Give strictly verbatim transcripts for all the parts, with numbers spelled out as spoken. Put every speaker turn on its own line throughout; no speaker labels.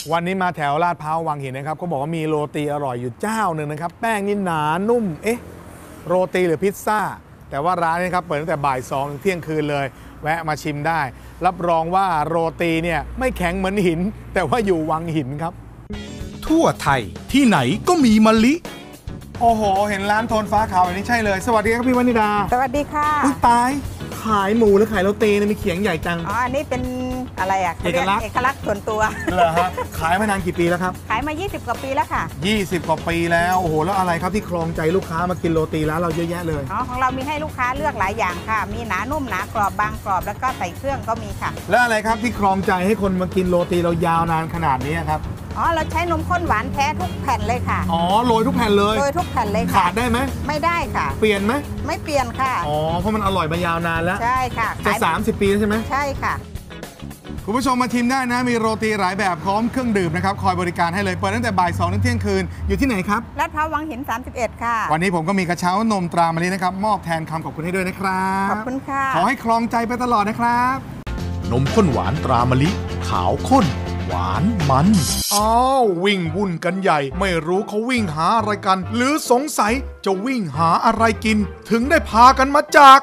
วันนี้มาแถวลาดพร้าววังหินนะครับก็บอกว่ามีโรตีอร่อยอยู่เจ้าหนึ่งนะครับแป้งนี่หนานุ่มเอ๊ะโรตีหรือพิซซ่าแต่ว่าร้านนี้ครับเปิดตั้งแต่บ่ายสองถึงเที่ยงคืนเลยแวะมาชิมได้รับรองว่าโรตีเนี่ยไม่แข็งเหมือนหินแต่ว่าอยู่วังหินครับ
ทั่วไทยที่ไหนก็มีมะลิ
โอ้โหเห็นร้านโทนฟ้าขาวอย่างนี้ใช่เลยสวัสดีครับพี่วนิดา
สวัสดีค่ะ
อุ๊ยตายขายหมูหรือขายโรตีเนี่ยมีเขียงใหญ่จัง
อ๋ออันนี้เป็นอะไรอ่ะ
เอกลักษณ์
เอกลักษณ์ส่วนตัว
เหรอฮะขายมานานกี่ปีแล้วครับ
ขายมายี่สิบกว่าปีแล้วค่ะ
ยี่สิบกว่าปีแล้วโอ้โหแล้วอะไรครับที่ครองใจลูกค้ามากินโรตีร้านเราเยอะแยะเลย
อ๋อของเรามีให้ลูกค้าเลือกหลายอย่างค่ะมีหนานุ่มหนากรอบบางกรอบแล้วก็ใส่เครื่องก็มีค่ะ
แล้วอะไรครับที่ครองใจให้คนมากินโรตีเรายาวนานขนาดนี้ครับ
อ๋อเราใช้นมข้นหวานแท้ทุกแผ่นเลยค่ะ
อ๋อโรยทุกแผ่นเลย
โรยทุกแผ่นเลยค่ะ
ขาดได้ไหม
ไม่ได้ค่ะ
เปลี่ยนไหม
ไม่เปลี่ยนค่ะ
อ๋อเพราะมันอร่อยมายาวนานแล้ว
ใช่ค่ะ
จะสามสิบปีใช่ไหม
ใช่ค่ะ
คุณผู้ชมมาชิมได้นะมีโรตีหลายแบบพร้อมเครื่องดื่มนะครับคอยบริการให้เลยเปิดตั้งแต่บ่ายสองถึงเที่ยงคืนอยู่ที่ไหนครับ
ลาดพร้าววังหินสามสิบเอ็ดค่ะ
วันนี้ผมก็มีกระเช้านมตรามะลินะครับมอบแทนคำขอบคุณให้ด้วยนะครับ
ขอบคุณค่ะ
ขอให้ครองใจไปตลอดนะครับ
นมข้นหวานตรามะลิขาวข้นหวานมัน
อ้าววิ่งวุ่นกันใหญ่ไม่รู้เขาวิ่งหาอะไรกันหรือสงสัยจะวิ่งหาอะไรกินถึงได้พากันมาจาก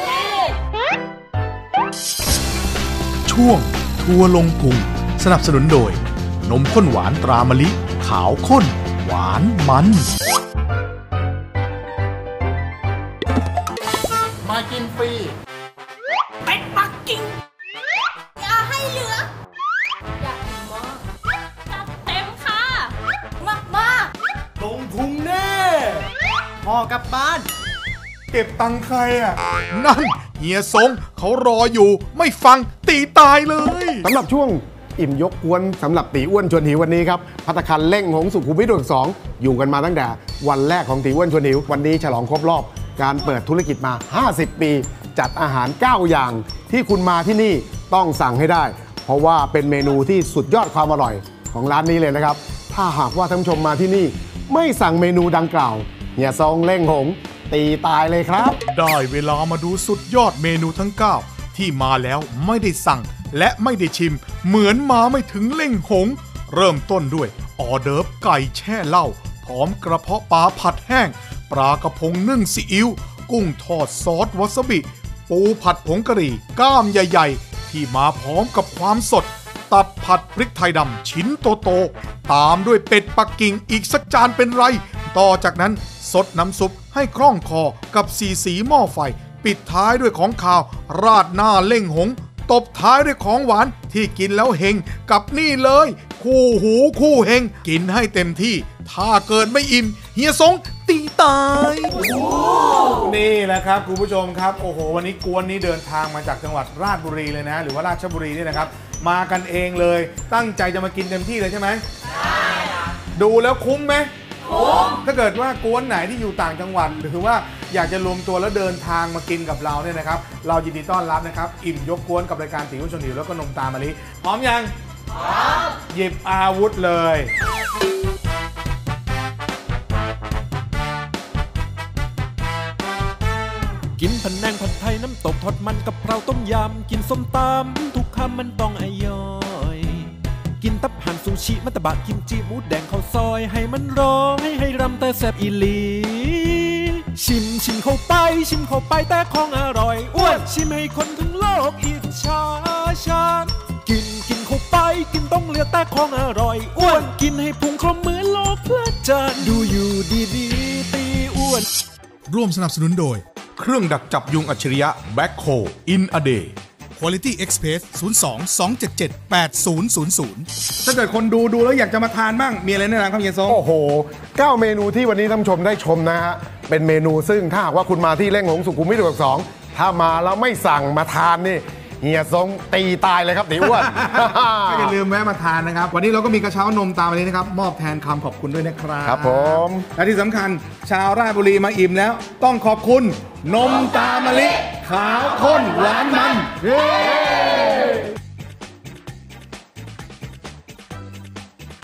ช่วงทัวร์ลงพุงสนับสนุนโดยนมข้นหวานตรามะลิขาวข้นหวานมัน
มากินฟรี
เป็ดปักกิ่งอย่าให้เหลืออยากกินมากจัดเต็มค่ะมากมาก
ลงพุงแน่
พ่อกลับบ้าน
เก็บตังค์ใครอ่ะนั่นเฮียสงเขารออยู่ไม่ฟังตีตายเลย
สำหรับช่วงอิ่มยกกวนสำหรับตีอ้วนชวนหิววันนี้ครับภัตตาคารเล่งหงสุขุมวิทสองอยู่กันมาตั้งแต่วันแรกของตีอ้วนชวนหิววันนี้ฉลองครบรอบการเปิดธุรกิจมาห้าสิบปีจัดอาหารเก้าอย่างที่คุณมาที่นี่ต้องสั่งให้ได้เพราะว่าเป็นเมนูที่สุดยอดความอร่อยของร้านนี้เลยนะครับถ้าหากว่าท่านผู้ชมมาที่นี่ไม่สั่งเมนูดังกล่าวเฮียซงเล่งหงตีตายเลยครับ
ได้เวลามาดูสุดยอดเมนูทั้งเก้าที่มาแล้วไม่ได้สั่งและไม่ได้ชิมเหมือนมาไม่ถึงเล่งหงเริ่มต้นด้วยออเดิร์ฟไก่แช่เหล้าพร้อมกระเพาะปลาผัดแห้งปลากระพงนึ่งซีอิ๊วกุ้งทอดซอสวาซาบิปูผัดผงกะหรี่ก้ามใหญ่ๆที่มาพร้อมกับความสดตับผัดพริกไทยดำชิ้นโตๆตามด้วยเป็ดปักกิ่งอีกสักจานเป็นไรต่อจากนั้นสดน้ำซุปให้คล่องคอกับสีสีหม้อไฟปิดท้ายด้วยของข้าวราดหน้าเล่งหงตบท้ายด้วยของหวานที่กินแล้วเฮงกับนี่เลยคู่หูคู่เฮงกินให้เต็มที่ถ้าเกิดไม่อิ่มเฮียสงตีตาย
นี่แหละครับคุณผู้ชมครับโอ้โหวันนี้กวนนี้เดินทางมาจากจังหวัดราชบุรีเลยนะหรือว่าราชบุรีนี่นะครับมากันเองเลยตั้งใจจะมากินเต็มที่เลยใช่ไหมใช่ดูแล้วคุ้มไหมถ้าเกิดว่ากวนไหนที่อยู่ต่างจังหวัดหรือว่าอยากจะรวมตัวแล้วเดินทางมากินกับเราเนี่ยนะครับเรายินดีต้อนรับนะครับอิ่มยกกวนกับรายการตีอ้วนชวนหิวแล้วก็นมตามะลิพร้อมยังพร้อมหยิบอาวุธเลย
กินผัดแนงผัดไทยน้ำตกทอดมันกับเพราต้มยำกินส้มตำทุกคำมันต้องอร่อยกินตับห่านซูชิมัตตบะกิมจิหมูแดงข้าวซอยให้มันร้องให้ให้รำแต่แซ่บอีหลีชิมชิมเข้าไปชิมเข้าไปแต่ของอร่อยอ้วนชิมให้คนทั้งโลกอิจฉาฉันกินกินเข้าไปกินต้องเหลือแต่ของอร่อยอ้วนกินให้พุงครบเหมือนโลกเพลิดเพลินดูอยู่ดีๆตีอ้วน
ร่วมสนับสนุนโดยเครื่องดักจับยุงอัจฉริยะแบ็คโคอินอเดย์
Quality Express ศูนย์ สอง สอง เจ็ด เจ็ด แปด ศูนย์ ศูนย์ ศูนย์
ถ้าเกิดคนดูดูแล้วอยากจะมาทานบ้างมีอะไรแนะนำครับเฮียซง
โอ้โหเก้าเมนูที่วันนี้ท่านผู้ชมได้ชมนะฮะเป็นเมนูซึ่งถ้าหากว่าคุณมาที่เล่งหงสุขุมวิทสองถ้ามาแล้วไม่สั่งมาทานนี่เฮียซงตีตายเลยครับตีอ้วน
ก็อย่าลืมแวะมาทานนะครับวันนี้เราก็มีกระเช้านมตามวันนี้นะครับมอบแทนคำขอบคุณด้วยนะครับ
ครับผม
และที่สำคัญชาวราชบุรีมาอิ่มแล้วต้องขอบคุณนมตามะลิขาวข้นหวานมัน